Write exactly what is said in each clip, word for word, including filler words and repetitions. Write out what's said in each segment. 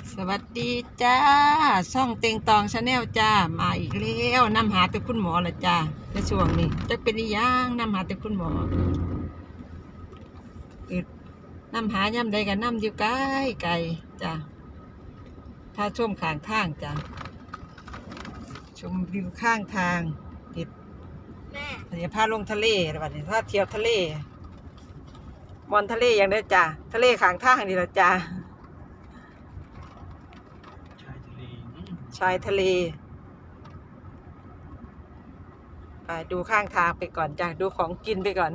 สวัสดีจ้าช่องเต็งตองชาแนลจ้ามาอีกแล้วนำหาแต่คุณหมอละจ้าในช่วงนี้จะเป็นยังนำหาแต่คุณหมอเกิดนำหาย่ำใดกันนำอยู่ไกลไกลจ้าถ้าชมข้างทางจ้าชมวิวข้างทางติดแม่เดี๋ยวพาลงทะเลวันนี้ถ้าเที่ยวทะเลมอนทะเลอย่างได้จ้าทะเลข้างทางนี่ละจ้าชายทะเลไปดูข้างทางไปก่อนจ้ะดูของกินไปก่อน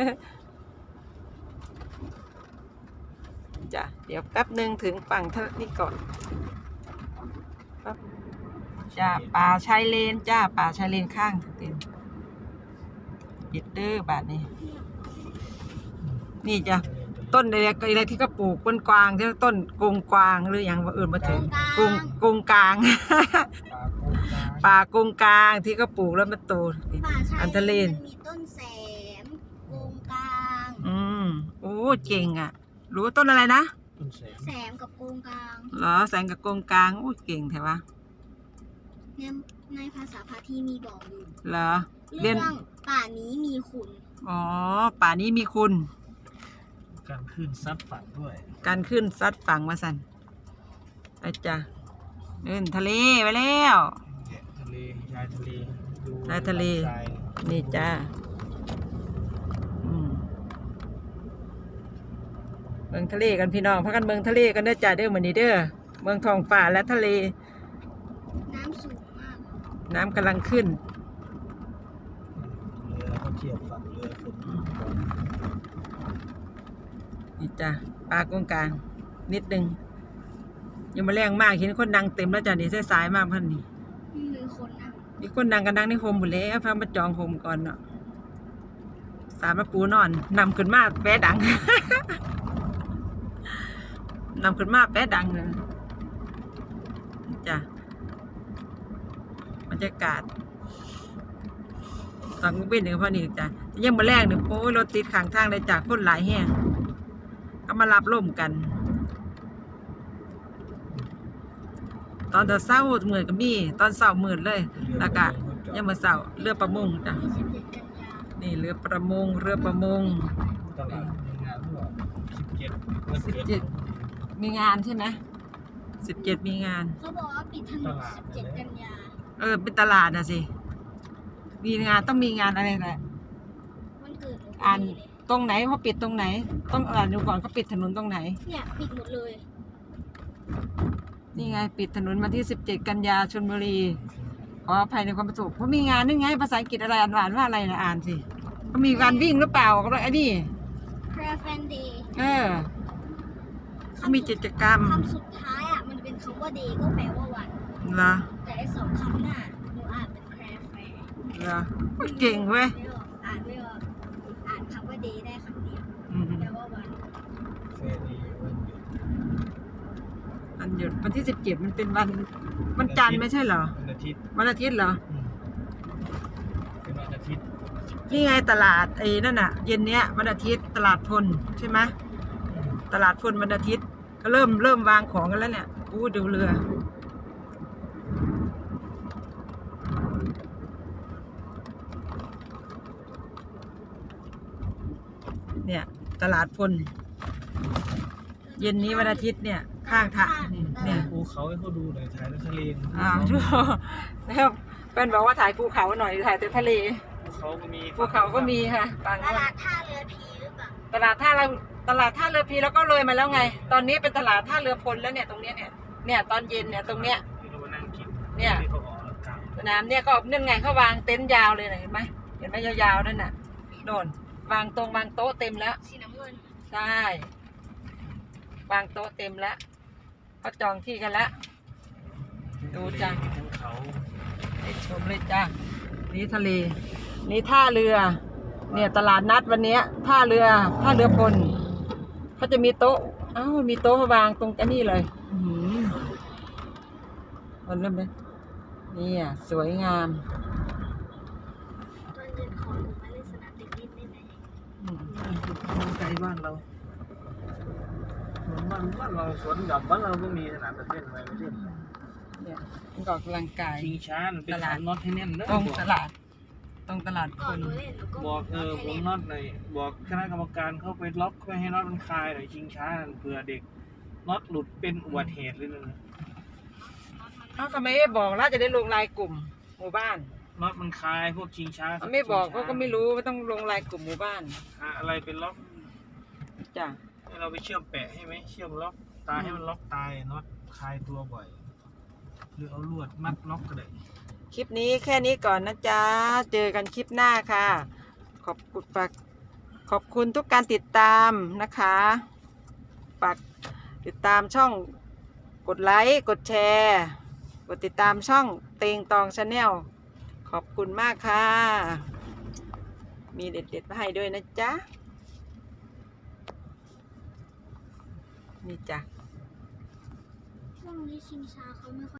จ้ะเดี๋ยวแป๊บหนึ่งถึงฝั่งทะเลนี่ก่อนจ้ะป่าชายเลนจ้าป่าชายเลนข้างเต็มปิดเด้อบาทนี้นี่จ้ะต้นอะไรอะไรที่ก็ปลูกต้นกวางที่ต้นกงกวางหรืออย่างว่าอื่นมาถึงกงกงกลางป่ากงกลางที่ก็ปลูกแล้วมันโตอันทะเลนมีต้นแสมกงกลางอืมโอ้เก่งอ่ะรู้ต้นอะไรนะต้นแสมแสมกับกงกลางเหรอแสงกับกงกลางโอ้เก่งแถวะในในภาษาพาทีมีบอกอยู่เหรอเรื่องป่านี้มีคุณอ๋อป่านี้มีคุณการขึ้นซัดฝั่งด้วยการขึ้นซัดฝั่งมาสันไปจ้ะเดินทะเลไปแล้วทะเลชายทะเลดูชายทะเลนี่จ้าอืมเมืองทะเลกันพี่น้องพักกันเมืองทะเลกันเด้อจ้าเด้อเหมือนนี้เด้อเมืองท้องฟ้าและทะเลน้ำสูงมากน้ำกำลังขึ้นเรือเขาเทียบฝั่งเรือคนนี่จ้ะปลากงกลางนิดนึงยังมาแรงมากเห็นคนดังเต็มแล้วจ้ะนี่สายๆมากพันนี่มีคนนั่งมีคนดังกันดังในโฮมหมดแล้วพามาจองโฮมก่อนเนาะสามมาปูนอนนำขึ้นมาแป๊ดัง นำขึ้นมาแป๊ดังเลยจ้ะบรรยากาศตอนเว้นหนึ่งพอนี่จ้ะยังมาแรงหนึ่งโอ้ยรถติดข้างทางเลยจากคนหลายแห่งก็มารับร่มกันตอนเช้าเหมือนกับมีตอนเช้าเหมือนเลยแล้วก็ยังมาเช้าเรือประมงจ้ะนี่เรือประมงเรือประมงตลาดมีงานด้วยสิบเจ็ดมีงานใช่ไหมสิบเจ็ดมีงานเขาบอกว่าปิดถนนสิบเจ็ดกันยาเออเป็นตลาดนะสิมีงานต้องมีงานอะไรแหละมันเกิดอ่านตรงไหนเขาปิดตรงไหนต้องอ่านดูก่อนเขาปิดถนนตรงไหนเนี่ยปิดหมดเลยนี่ไงปิดถนนมาที่สิบเจ็ดกันยาชลบุรีขออภัยในความประสบเพราะมีงานนี่ไงภาษาอังกฤษอะไรอ่านว่าอะไรนะอ่านสิเขามีการวิ่งหรือเปล่าก็ไอ้นี่ Craft Day เออเขามีกิจกรรมคำสุดท้ายอ่ะมันเป็นคำว่า day ก็แปลว่าวันเหรอแต่ไอ้สองคำหน้าหนูอ่านเป็น craft fair เหรอเก่งเว้ยอ่านไม่ออกอ่านคำว่า day ได้คำเดียวแปลว่าวันเฟรดีวันหยุดวันที่สิบเจ็ดมันเป็นวันวันจันทร์ไม่ใช่เหรอวันอาทิตย์วันอาทิตย์เหรอเป็นวันอาทิตย์นี่ไงตลาดไอ้นั่นน่ะเย็นเนี้ยวันอาทิตย์ตลาดพลใช่ไหมตลาดพลวันอาทิตย์ก็เริ่มเริ่มวางของกันแล้วเนี่ยอู้ดูเรือเนี่ยตลาดพลเย็นนี้วันอาทิตย์เนี่ยข้างทางเนี่ยภูเขาให้เขาดูหน่อยถ่ายทะเลอ่าดูแล้วเป็นบอกว่าถ่ายภูเขาหน่อยถ่ายแต่ทะเลภูเขาก็มีภูเขาก็มีค่ะตลาดท่าเรือพีหรือเปล่าตลาดท่าเรือตลาดท่าเรือพีแล้วก็เลยมาแล้วไงตอนนี้เป็นตลาดท่าเรือพลแล้วเนี่ยตรงเนี้ยเนี่ยเนี่ยตอนเย็นเนี่ยตรงเนี้ยเนี่ยสนามเนี่ยก็นึ่งไงเขาวางเต็นท์ยาวเลยเห็นไหมเห็นไหมยาวๆนั่นน่ะโดนวางตรงวางโต๊ะเต็มแล้วสีน้ำเงินใช่วางโต๊ะเต็มแล้วเขาจองที่กันแล้วดูจ้ะให้ชมเลยจ้ะนี่ทะเลนี่ท่าเรือเนี่ยตลาดนัดวันนี้ท่าเรือท่าเรือพลเขาจะมีโต๊ะอ้าวมีโต๊ะวางตรงกันนี่เลยอืมมันเริ่มเลยนี่อ่ะสวยงามตอนเย็นขอหนูมาเล่นสนามเด็กเล่นได้ไหมอืมไกลบ้านเราสวนบ้านบ้านเราสวนหย่อมบ้านเราก็มีสนามเต้นไว้ไม่ใช่เนี่ยมันก็ออกกำลังกายชิงช้าเป็นสามน็อตให้แน่นเด้อตรงบอกตลาด ตรงตลาดก่คอนนหนูเล่นหนูก็บอกเออให้ผมล่นน็อตหน่อยบอกคณะกรรมการเข้าไปล็อกไม่ให้น็อตมันคลายหน่อยชิงช้าเผื่อเด็กน็อตหลุดเป็นอุบัติเหตุเลยนะเขาก็ไม่ได้บอกแล้วจะได้ลงรายกลุ่มหมู่บ้านน็อตมันคลายพวกชิงช้าเขาไม่บอกเขาก็ไม่รู้ว่าต้องลงรายกลุ่มหมู่บ้านหาอะไรเป็นล็อกจ้ะให้เราไปเชื่อมแปะให้ไหมเชื่อมล็อกตายให้มันล็อกตายน็อตคลายตัวบ่อยหรือเอาลวดมัดล็อกก็ได้คลิปนี้แค่นี้ก่อนนะจ๊ะ เจอกันคลิปหน้าค่ะ ขอบคุณฝากขอบคุณทุกการติดตามนะคะฝากติดตามช่องกดไลค์กดแชร์กดติดตามช่องเตงตองชาแนลขอบคุณมากค่ะ มีเด็ดๆมาให้ด้วยนะจ๊ะ นี่จ้ะช่วงนี้ชิงช้าเขาไม่ค่อย